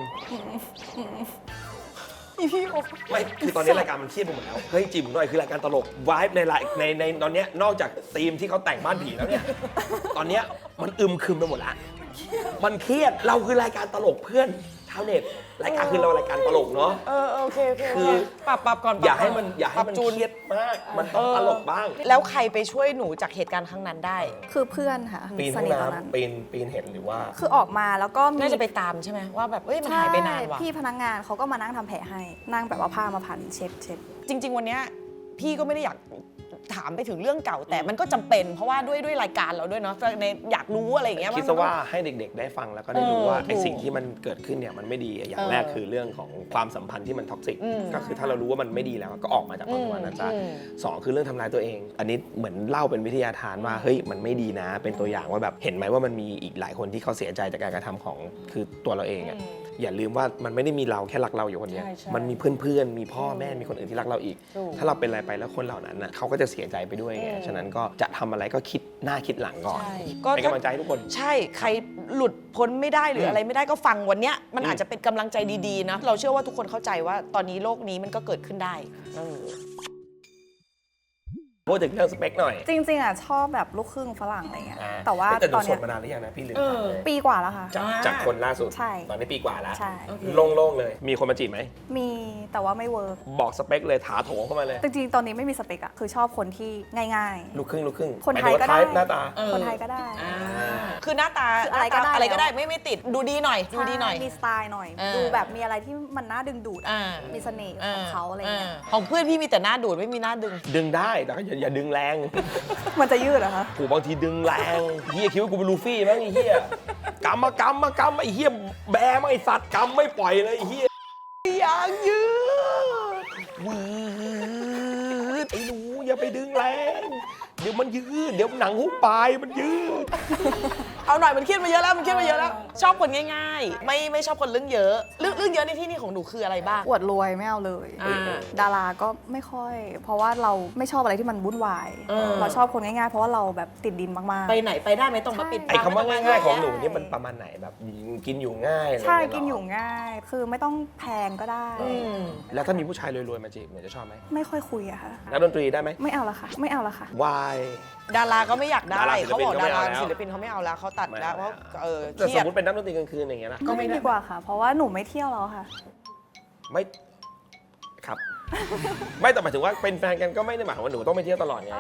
Speaker 3: อีพี่อก
Speaker 2: ไม่คือตอนนี้รายการมันเครียดไปหมดแล้วเฮ้ยจิ๋มหน่อยคือรายการตลกวายในตอนเนี้ยนอกจากธีมที่เขาแต่งบ้านผีแล้วเนี่ยตอนเนี้ยมันอึมครึมไปหมดละมันเครียดเราคือรายการตลกเพื่อนชาวเน็ตรายการคือเรารายการตลกเนาะ
Speaker 3: โอเค
Speaker 2: คือ
Speaker 3: ปรับก่อน
Speaker 2: อย่าให้มัน
Speaker 3: ปรับจูน
Speaker 2: เครียดมาก มันต้องตลกบ้าง
Speaker 3: แล้วใครไปช่วยหนูจากเหตุการณ์ครั้งนั้นได้
Speaker 4: คือเพื่อนค่ะ
Speaker 2: ปีน
Speaker 4: ส
Speaker 2: ห้อง
Speaker 4: นิทตอนนั้น
Speaker 2: น้ำปีนเห็นหรือว่า
Speaker 4: คือออกมาแล้วก็มี
Speaker 3: น่าจะไปตามใช่ไหมว่าแบบเอ้ยมันหายไปนานว่ะ
Speaker 4: พี่พนักงานเขาก็มานั่งทำแผลให้ นั่งแบบว่าผ้ามาพันเช็ด
Speaker 3: จริง ๆ วันเนี้ยพี่ก็ไม่ได้อยากถามไปถึงเรื่องเก่าแต่มันก็จำเป็นเพราะว่าด้วยรายการเราด้วยเนาะในอยากรู้อะไรอย่างเงี้ย
Speaker 2: คิดซะว่าให้เด็กๆ ได้ฟังแล้วก็ได้รู้ว่า
Speaker 3: ถูก
Speaker 2: ไอ้สิ่งที่มันเกิดขึ้นเนี่ยมันไม่ดีอย่างแรกคือเรื่องของความสัมพันธ์ที่มันท็อกซิกก็คือถ้าเรารู้ว่ามันไม่ดีแล้วก็ออกมาจากความสัมพันธ์นั้นซะสองคือเรื่องทำร้ายตัวเอง อันนี้เหมือนเล่าเป็นวิทยาทานว่าเฮ้ยมันไม่ดีนะ เป็นตัวอย่างว่าแบบเห็นไหมว่ามันมีอีกหลายคนที่เขาเสียใจจากการกระทำของคือตัวเราเองอะอย่าลืมว่ามันไม่ได้มีเราแค่รักเราอยู่คนเดียว
Speaker 3: ใช่ใช่
Speaker 2: มันมีเพื่อนๆมีพ่อแม่มีคนอื่นที่รักเราอีก
Speaker 3: ถูก
Speaker 2: ถ้าเราเป็นอะไรไปแล้วคนเหล่านั้นน่ะเขาก็จะเสียใจไปด้วยไงฉะนั้นก็จะทำอะไรก็คิดหน้าคิดหลังก่อน
Speaker 3: ใช่
Speaker 2: เป็นกำลังใจให้ทุกคน
Speaker 3: ใช่ใครหลุดพ้นไม่ได้หรืออะไรไม่ได้ก็ฟังวันเนี้ยมันอาจจะเป็นกำลังใจดีๆนะเราเชื่อว่าทุกคนเข้าใจว่าตอนนี้โลกนี้มันก็เกิดขึ้นได้
Speaker 2: พูดถึงเรื่องสเปคหน่อย
Speaker 4: ๆ จริงๆอ่ะชอบแบบลูกครึ่งฝรั่งอะไรเงี้ย แต่ว่า
Speaker 2: แต่ห
Speaker 4: ต
Speaker 2: นู
Speaker 4: อน
Speaker 2: โส
Speaker 4: เนี้
Speaker 2: ด
Speaker 4: ย
Speaker 2: มานานหรือยังนะพี่ลืม
Speaker 3: เอ
Speaker 2: ถาม
Speaker 3: อ
Speaker 2: เลย
Speaker 4: ปีกว่าแล้วค่ะ
Speaker 2: จากคนล่าสุด
Speaker 4: ใช่
Speaker 2: ตอนนี้ปีกว่าแล้ว
Speaker 4: ใช่
Speaker 2: โล่งๆเลย มีคนมาจีบไหม
Speaker 4: มีแต่ว่าไม่เวิร์ก
Speaker 2: บอกสเปคเลยถาโถงเข้ามาเลย
Speaker 4: จริงๆ ตอนนี้ไม่มีสเปคอะคือชอบคนที่ง่าย
Speaker 2: ลูกครึ่ง
Speaker 4: คนไทยก็ได้
Speaker 2: หมายถึงว่า type หน้าตา
Speaker 4: ๆ คนไทยก็ได้
Speaker 3: คือหน้าตา
Speaker 4: คืออะไรก็ได้
Speaker 3: อะไรก็ได้ไม่ติดดูดีหน่อยดูดีหน่อย
Speaker 4: ใช่มีสไตล์หน่อย
Speaker 3: อ่า
Speaker 4: ดูแบบมีอะไรที่มันน่าดึงดูดอะ
Speaker 3: อ่า
Speaker 4: มีเสน่ห์ของเขาอะไรเงี้ย
Speaker 3: ของเพื่อนพี่มีแต่หน้าดูดไม่มีหน้าดึง
Speaker 2: ดึงได้แต่ก็อย่าดึงแรง
Speaker 4: มันจะยืดเหรอคะ
Speaker 2: กูบางทีดึงแรงเฮียคิดว่ากูเป็นลูฟี่มั้งไอ้เฮียกำไอ้เฮียแบมั้งไอ้สัตว์กำไม่ปล่อยเลยไอ้เฮียอยากยืดวืดไอ้หนูอย่าไปดึงแรงเดี๋ยวมันยืดเดี๋ยวหนังหุ้มปลายมันยืด
Speaker 3: เอาหน่อยมันเครียดมาเยอะแล้วมันเครียดมาเยอะแล้ว ชอบคนง่ายๆ ไม่ชอบคนเรื่องเยอะเรื่องเยอะในที่นี่ของหนูคืออะไรบ้าง
Speaker 4: อวดรวยไม่เอาเลย
Speaker 3: อ่า
Speaker 4: ดาราก็ไม่ค่อย เพราะว่าเราไม่ชอบอะไรที่มันวุ่นวาย เราชอบคนง่ายๆ เพราะว่าเราแบบติดดินมาก
Speaker 3: ไปไหนไปได้ไหมต้องมาปิด
Speaker 2: ไอ้คำว่าง่ายๆของหนูนี่มันประมาณไหนแบบกินอยู่ง่ายอะไร
Speaker 4: ๆ ใช่
Speaker 2: เงี้
Speaker 4: กิน
Speaker 2: เหร
Speaker 4: อยู่ง่าย คือไม่ต้องแพงก็ได้
Speaker 2: แล้วถ้ามีผู้ชายรวยๆมาจีบหนูจะชอบไหม
Speaker 4: ไม่ค่อยคุยอะค่ะ
Speaker 2: นักดนตรีได้ไหม
Speaker 4: ไม่เอาละค่ะ ไม่เอาละค่ะ
Speaker 2: วาย
Speaker 3: ดาราก็ไม่อยากได้
Speaker 2: ดาราศิล
Speaker 3: เขา
Speaker 2: ปิน
Speaker 3: บอก
Speaker 2: ก็ไม่
Speaker 3: ดารา
Speaker 2: เอาแล้ว
Speaker 3: ศิลปินเขาไม่เอาแล้วเขาตัดแล้วเพราะเค
Speaker 2: แต่
Speaker 3: รี
Speaker 2: ส
Speaker 3: ย
Speaker 2: ม
Speaker 3: ด
Speaker 2: มติเป็นนักดนตรีกลางคืนอย่างเงี้ยนะ
Speaker 4: ก็ไม่ดีกว่าค่ะ เพราะว่าหนูไม่เที่ยวแล้วค่ะ
Speaker 2: ไม่ครับ ไม่แต่หมายถึงว่าเป็นแฟนกันก็ไม่ได้หมายความว่าหนูต้องไปเที่ยวตลอดไง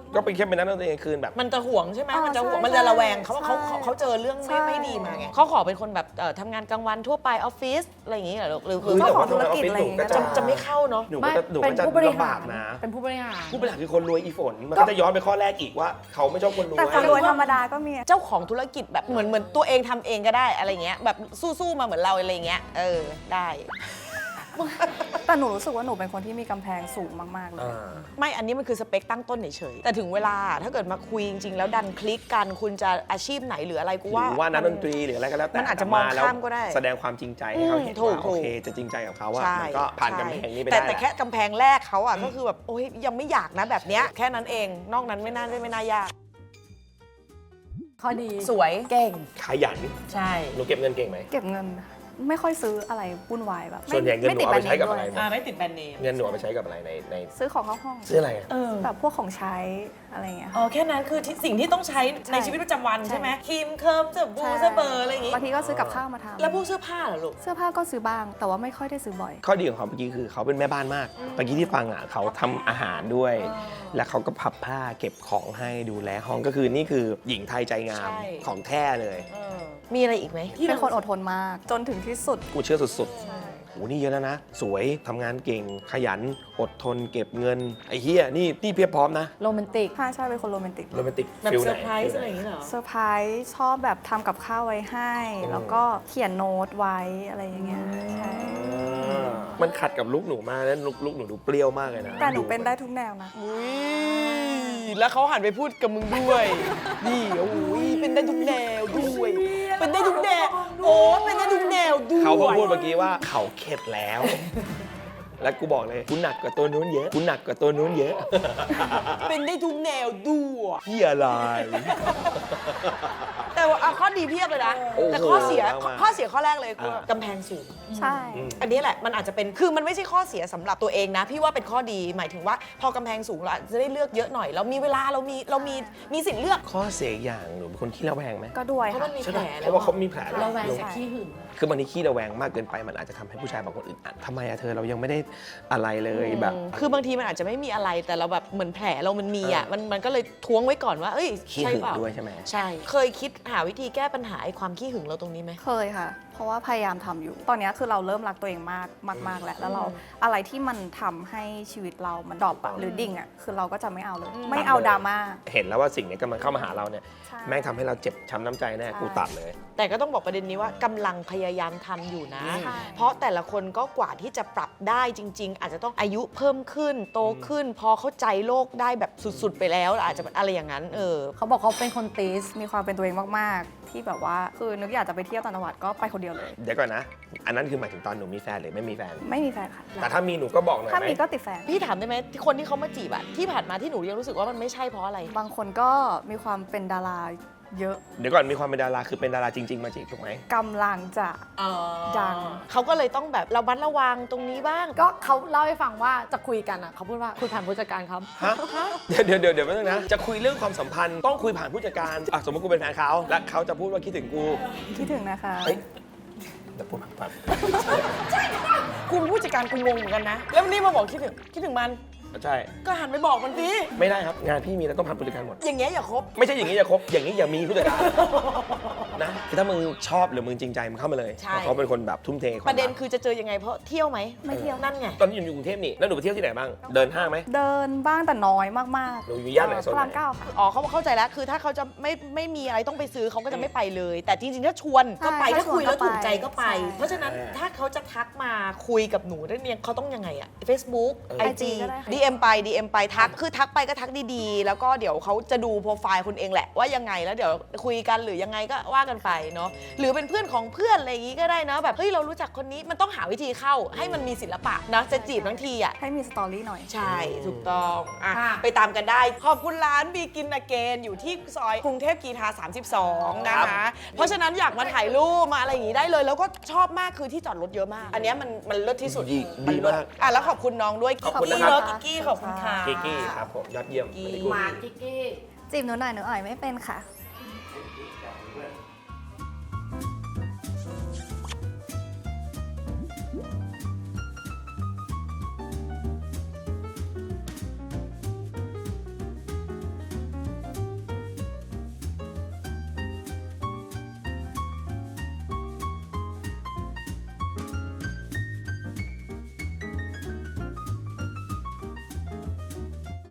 Speaker 2: ก็เป็นแค่เป็นนักดนตรีกลางคืนแบบ
Speaker 3: มันจะห่วงใช่ไหม
Speaker 4: อ๋อ
Speaker 3: มันจะห่วง
Speaker 4: ใช่
Speaker 3: มันจะระแวงเขา
Speaker 4: ใช่
Speaker 3: เขาเจอเรื่อง
Speaker 4: ใช่
Speaker 3: ไม่ดีมาไงเขาขอเป็นคนแบบทำงานกลางวันทั่วไปออฟฟิศอะไรอย่างงี้เหรอลูกหรือ
Speaker 4: เจ้าของธุรกิจอะไรอย่างเงี้ย
Speaker 3: จะไม่เข้าเนาะ
Speaker 2: หนู
Speaker 1: ไม่
Speaker 2: ก็จะ
Speaker 1: เป็นผู้บริ
Speaker 2: ลำ
Speaker 1: หา
Speaker 2: บาร กนะ
Speaker 1: เป็นผู้บริหาร
Speaker 2: ผู้บริหารคือคนรวยอีฝนมันก็จะย้อนไปข้อแรกอีกว่าเขาไม่ชอบคนรวย
Speaker 4: แต่คนรวยธรรมดาก็มี
Speaker 3: เจ้าของธุรกิจแบบเหมือนตัวเองทำเองก็ได้อะไรเงี้ยแบบสู้ๆมาเหมือนเราอะไรเงี้ยได้
Speaker 4: แต่หนูรู้สึกว่าหนูเป็นคนที่มีกำแพงสูงมากๆเลย
Speaker 3: ไม่อันนี้มันคือสเปคตั้งต้นเฉยๆแต่ถึงเวลาถ้าเกิดมาคุยจริงๆแล้วดันคลิกกันคุณจะอาชีพไหนหรืออะไรกู
Speaker 2: หรือว่านักดนตรี
Speaker 3: มั
Speaker 2: หรืออะไรก็แล้วแต่
Speaker 3: มันอาจจะมองข้ามก็ได้
Speaker 2: แสดงความจริงใจให้เขาเห็น
Speaker 3: ถูก
Speaker 2: ว่าโอเคจะจริงใจกับเขาว่า
Speaker 3: ใช่
Speaker 2: มันก็ผ่านกำแพงนี้ไป
Speaker 3: แต่
Speaker 2: ได้
Speaker 3: แต่แค่กำแพงแรกเขาอ่ะก็คือแบบโอ้ยยังไม่อยากนะแบบเนี้ยแค่นั้นเองนอกนั้นไม่น่ายาก
Speaker 1: ข้อดี
Speaker 3: สวย
Speaker 1: เก่ง
Speaker 2: ขยัน
Speaker 3: ใช่
Speaker 2: หนูเก็บเงินเก่งไหม
Speaker 4: เก็บเงินไม่ค่อยซื้ออะไรวุ่นวายแบบ
Speaker 2: ส่วนใหญ่เงินหนูเอาไปใช้กับอะไร
Speaker 4: ม่ติดแบรนด์เนมด้วย
Speaker 3: ไม่ติดแบรนด์เนม
Speaker 2: เงินหนูเอาไปใช้กับอะไรใน
Speaker 4: ซื้อของเข้าห้อง
Speaker 2: ซื้ออะไรอะ
Speaker 4: แบบพวกของใช้อะไรอย่างเงี้ย
Speaker 3: อ๋อแค่นั้นคือสิ่งที่ต้องใช้ในชีวิตประจำวันใช่ไหมครีมเคิร์มสบู่สเบอร์อะไรอย่างงี้
Speaker 4: บางทีก็ซื้อกับข้าวมาทำ
Speaker 3: แล้วพวกเสื้อผ้าเหรอลูก
Speaker 4: เสื้อผ้าก็ซื้อบ้าง แต่ว่าไม่ค่อยได้ซื้อบ่อย
Speaker 2: ข้อดีของเขาเมื่อกี้คือเขาเป็นแม่บ้านมากเมื่อกี้ที่ฟังอ่ะเขาทำอาหารด้วย แล้วเขาก็พับผ้าเก็บของให้ดูแลห้องก็คือนี่คือหญิงไทยใจงาม
Speaker 3: ใช่
Speaker 2: ของแท้เลย
Speaker 3: มีอะไรอีกไหมที่
Speaker 4: เป็นคนอดทนมากจนถึงที่สุด
Speaker 2: กูเชื่อสุดๆโอ้นี่เยอะแล้วนะ สวยทำงานเก่ง ขยัน อดทน เก็บเงิน ไอ้เฮียนี่เพียบพร้อมนะ
Speaker 1: โรแมนติก
Speaker 4: ใช่เป็นคนโรแมนติก
Speaker 2: โรแมนติก
Speaker 3: แบบ
Speaker 2: ฟิล
Speaker 3: เซ
Speaker 2: ไห
Speaker 3: อน ร์ไพรส์อะไรอย่างงี้เหรอ
Speaker 4: เซอร์ไพรส์ชอบแบบทำกับข้าวไว้ให้ แล้วก็เขียนโน้ตไว้อะไรอย่างเงี้ยใช่
Speaker 2: มันขัดกับลุกหนูมากแล้วลุกหนูดูเปรี้ยวมากเลยนะ
Speaker 4: แต่หนูเป็นได้ทุกแนวนะ
Speaker 3: แล้วเขาหันไปพูดกับมึงด้วยนี่โอ้ยเป็นได้ทุกแนวด้วย เป็นได้ทุกแนวโอ้เป็นได้ทุกแนวด้วย
Speaker 2: เขาเพิ่งพูดเมื่อกี้ว่าเขาเข็ดแล้ว แล้วกูบอกเลยกูหนักกว่าตัวนู้นเยอะกูหนักกว่าตัวนู้นเยอะ
Speaker 3: เป็นได้ทุกแนวด้วย
Speaker 2: เฮียอะไร
Speaker 3: แต่ว่าข้อดีเพียบเลยนะ
Speaker 2: โอ้โห
Speaker 3: แต่ข้อเสีย
Speaker 2: มากๆ
Speaker 3: ข้อเสียข้อแรกเลยคือ
Speaker 2: อ่ะ
Speaker 3: กำแพงสูง
Speaker 4: ใช่
Speaker 3: อันนี้แหละมันอาจจะเป็นคือมันไม่ใช่ข้อเสียสำหรับตัวเองนะ พี่ว่าเป็นข้อดีหมายถึงว่าพอกำแพงสูงเราอาจจะได้เลือกเยอะหน่อยเรามีเวลาเรามีสิทธิ์เลือก
Speaker 2: ข้อเสียอย่างหนูเป็นคนขี้ระแวงไหม
Speaker 4: ก็ด้วย
Speaker 3: เพราะ
Speaker 4: ค่ะ
Speaker 3: มันมี
Speaker 2: ใช่
Speaker 3: แผ
Speaker 2: ไหม
Speaker 3: ล
Speaker 2: เพ
Speaker 3: แล้ว
Speaker 2: ราะว่าเขามีแผล
Speaker 1: เราแวง
Speaker 2: ล
Speaker 1: กับขี้หึง
Speaker 2: คือบางทีขี้ระแวงมากเกินไปมันอาจจะทำให้ผู้ชายบางคนอึดอัดทำไมอะเธอเรายังไม่ได้อะไรเลยแบบ
Speaker 3: คือบางทีมันอาจจะไม่มีอะไรแต่เราแบบเหมือนแผลเรามันมีอ่ะมันก็เลยท้วงไว้ก่อนว่าเอ้ย
Speaker 2: ขี้
Speaker 3: ใช่
Speaker 2: หึง
Speaker 3: เปล่า
Speaker 2: ด้วยใช่ไหม
Speaker 3: ใช่ เคยคิดหาวิธีแก้ปัญหาไอ้ความขี้หึงเราตรงนี้ไหม
Speaker 4: เคยค่ะ เพราะว่าพยายามทำอยู่ ตอนนี้คือเราเริ่มรักตัวเองมากแล้ว แล้วเราอะไรที่มันทำให้ชีวิตเรามันดรอปอะหรือดิ่งอะคือเราก็จะไม่เอาเลย ไม่เอาดราม่า
Speaker 2: เห็นแล้วว่าสิ่งนี้กำลังเข้ามาหาเราเนี่ย
Speaker 4: ใช่
Speaker 2: แม่งทำให้เราเจ็บช้ำน้ำใจแน่
Speaker 4: ใช่
Speaker 2: กูตัดเลย
Speaker 3: แต่ก็ต้องบอกประเด็นนี้ว่ากำลังพยายามทำอยู่นะ
Speaker 4: ใช่
Speaker 3: เพราะแต่ละคนก็กว่าที่จะปรับได้จริง ๆ อาจจะต้องอายุเพิ่มขึ้นโตขึ้น พอเข้าใจโลกได้แบบสุดๆไปแล้วอาจจะอะไรอย่างนั้น
Speaker 1: เขาบอกเขาเป็นคนติส
Speaker 4: มีความเป็นตัวเองมากๆ ที่แบบว่าคือนึกอยากจะไปเที่ยวต่างจังหวัดก็ไปคนเดียวเลย
Speaker 2: เดี๋ยวก่อนนะ อันนั้นคือหมายถึงตอนหนูมีแฟนหรือไม่มีแฟน
Speaker 4: ไม่มีแฟนค่ะ
Speaker 2: แต่ถ้ามีหนูก็บอกหน่อย
Speaker 4: ถ้า
Speaker 2: ไหม
Speaker 4: มีก็ติดแฟน
Speaker 3: พี่ถามได้ไหมที่คนที่เขามาจีบอะที่ผ่านมาที่หนูยังรู้สึกว่ามันไม่ใช่เพราะอะไร
Speaker 4: บางคนก็มีความเป็นดาราเยอะ
Speaker 2: เดี๋ยวก่อนมีความเป็นดาราคือเป็นดาราจริง ๆ มาจีบถูกไหม
Speaker 4: กำลังจะ ดัง
Speaker 3: เขาก็เลยต้องแบบระมัดระวังตรงนี้บ้าง
Speaker 1: ก็เขาเล่าให้ฟังว่าจะคุยกันอ่ะเขาพูดว่าคุยผ่านผู้จัดการครับ
Speaker 2: ฮะเดี๋ยวแป๊บนึงนะ จะคุยเรื่องความสัมพันธ์ต้องคุยผ่านผู้จัดการอ่ะสมมติกูเป็นแฟนเขาและเขาจะพูดว่าคิดถึงกู
Speaker 4: คิดถึงนะคะ
Speaker 2: เฮ้ยแต่พูดผ่าน
Speaker 3: คุณผู้จัดการคุณงงเหมือนกันนะ แล้ววันนี้มาบอกคิดถึงมัน
Speaker 2: ใช่
Speaker 3: ก็หันไปบอกมันสิ
Speaker 2: ไม่ได้ครับงานพี่มีแล้วต้องผ่านผู้จัดการหมด
Speaker 3: อย่างเงี้ยอย่าคบ
Speaker 2: ไม่ใช่อย่างนี้อย่าคบอย่างนี้อย่ามีผู้จัดการนะคือถ้ามึงชอบหรือมึงจริงใจมึงเข้ามาเลย
Speaker 3: ใช่
Speaker 2: เพราะเขาเป็นคนแบบทุ่มเทความ
Speaker 3: ประเด็น
Speaker 2: รัก
Speaker 3: คือจะเจอยังไงเพราะเที่ยวไหม
Speaker 4: ไม่เที่ยว
Speaker 3: นั่นไง
Speaker 2: ตอนนี้อยู่กรุงเทพนี่แล้วหนูไปเที่ยวที่ไหนบ้างเดินห้างไหม
Speaker 4: เดินบ้างแต่น้อยมาก
Speaker 2: หนูอยู่ย่านไหนโซน
Speaker 4: พระ
Speaker 2: ไห
Speaker 4: ราม
Speaker 2: น
Speaker 4: เก้าค่ะ
Speaker 3: อ๋อเขาเข้าใจแล้ว คือถ้าเขาจะไม่มีอะไรต้องไปซื้อเขาก็จะไม่ไปเลย แต่จริงๆ ถ้าชวนก็ไป
Speaker 4: ใช่
Speaker 3: ถ้าคุยแล้ว
Speaker 4: ถ้าชวนก็
Speaker 3: ถูกใจก็ไป
Speaker 4: ไป
Speaker 3: เพราะฉะนั้นถ้าเขาจะทักมาคุยกับหนูได้เนี่ยเขาต้องยังไงอะ Facebook IG
Speaker 4: ก็ได้ค่ะ
Speaker 3: DM ไปทักคือทักไปก็ทักดีๆ แล้วก็เดี๋ยวเขาจะดูโปรไฟล์คุณเองแหละว่ายังไงแล้วเดี๋ยวคุยกันหรือยังไงก็ว่ากันไปเนาะหรือเป็นเพื่อนของเพื่อนอะไรอย่างงี้ก็ได้นะแบบเฮ้ยเรารู้จักคนนี้มันต้องหาวิธีเข้าให้มันมีศิลปะนะจะจีบทั้งทีอะ
Speaker 4: ให้มีสตอรี่หน่อย
Speaker 3: ใช่ ถูกต้องอ่ะ
Speaker 1: ค่ะ
Speaker 3: ไปตามกันได้ ขอบคุณร้านบีกินอเกนอยู่ที่ซอยกรุงเทพกรีฑา32 นะคะ เพราะฉะนั้นอยากมาถ่ายรูปมาอะไรอย่างนี้ได้เลย แล้วก็ชอบมากคือที่จอดรถเยอะมาก อันเนี้ยมันเลิศที่สุด
Speaker 2: ดี
Speaker 3: มันเลิศ
Speaker 2: มาก
Speaker 3: อ่ะแล้วขอบคุณน้องด้วย
Speaker 2: ขอบคุณ
Speaker 3: เลิ
Speaker 2: นะครับ
Speaker 3: ศกิ๊กกี้ขอบคุณค่ะ
Speaker 2: กิกกี้ครับผมยอดเยี่ยม
Speaker 3: กิ๊ก
Speaker 2: very good
Speaker 1: มาจิกกี้
Speaker 4: จีบหนูหน่อยหนูอ่อยไม่เป็นค่ะ